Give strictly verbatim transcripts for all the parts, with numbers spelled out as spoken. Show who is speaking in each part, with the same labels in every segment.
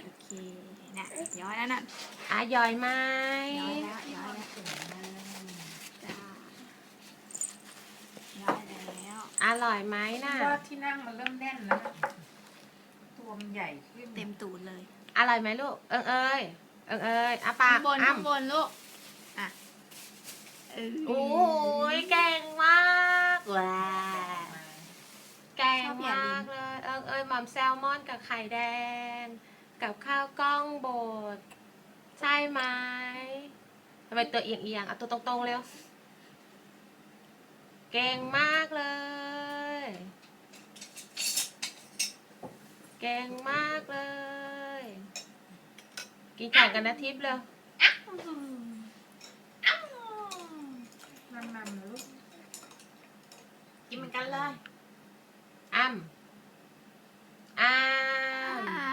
Speaker 1: โอเคนะย้อยแล้วนั่น
Speaker 2: อ่ะย่อยไหม
Speaker 1: ย้อยแล้วย้อยแล้วจ้าย้อยแล้ว
Speaker 2: อร่อยไหมน่ะ
Speaker 3: ว่าที่นั่งมันเริ่มแน่นแล้วนะตัวมันใหญ่ขึ้น
Speaker 1: เต็มตูดเลย
Speaker 2: อร่อยไหมลูกเอิงเอ้ยเอิงเอ้ยอ่ะปา
Speaker 1: ข้าก งบน
Speaker 2: อ้ํ
Speaker 1: ข้างบนลูกอ่ะเออ
Speaker 2: โอ้ยเก่งมากว้าเก่งมากเลยเอิงเอ้ยหม่อมแซลมอนกับไข่แดง กับข้าวกล้องบดใช่ไหมทำไมตัวเอียงเอียงๆเอาตัวตรงๆเร็วเก่งมากเลย เก่งมากเลย กินแข่งกันนะทิพย์เร็ว
Speaker 3: มันมันๆนะลูก
Speaker 1: กินเหมือนกันเลย
Speaker 2: อ้ำอ้ำ
Speaker 1: อ่า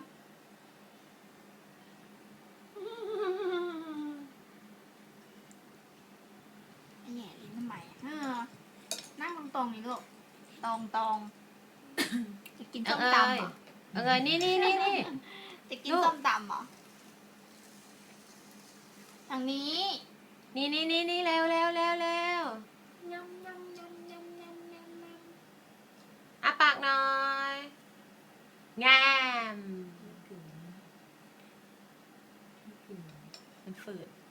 Speaker 1: แง่ลิ้นทำไมอ่ะเออนั่งตรงๆนี่ลูกตรงตรงๆจะกินส้มตำเหรอ
Speaker 2: เออนี่นี่นี่นี่
Speaker 1: จะกิน
Speaker 2: ลูก
Speaker 1: ส้มตำเหรอทางนี้
Speaker 2: นี่นี่นี่นี่เร็วเร็วเร็วเร็วย
Speaker 1: ำยำยำยำยำยำยำ
Speaker 2: อ่ะปากหน่อยงามมันฝืด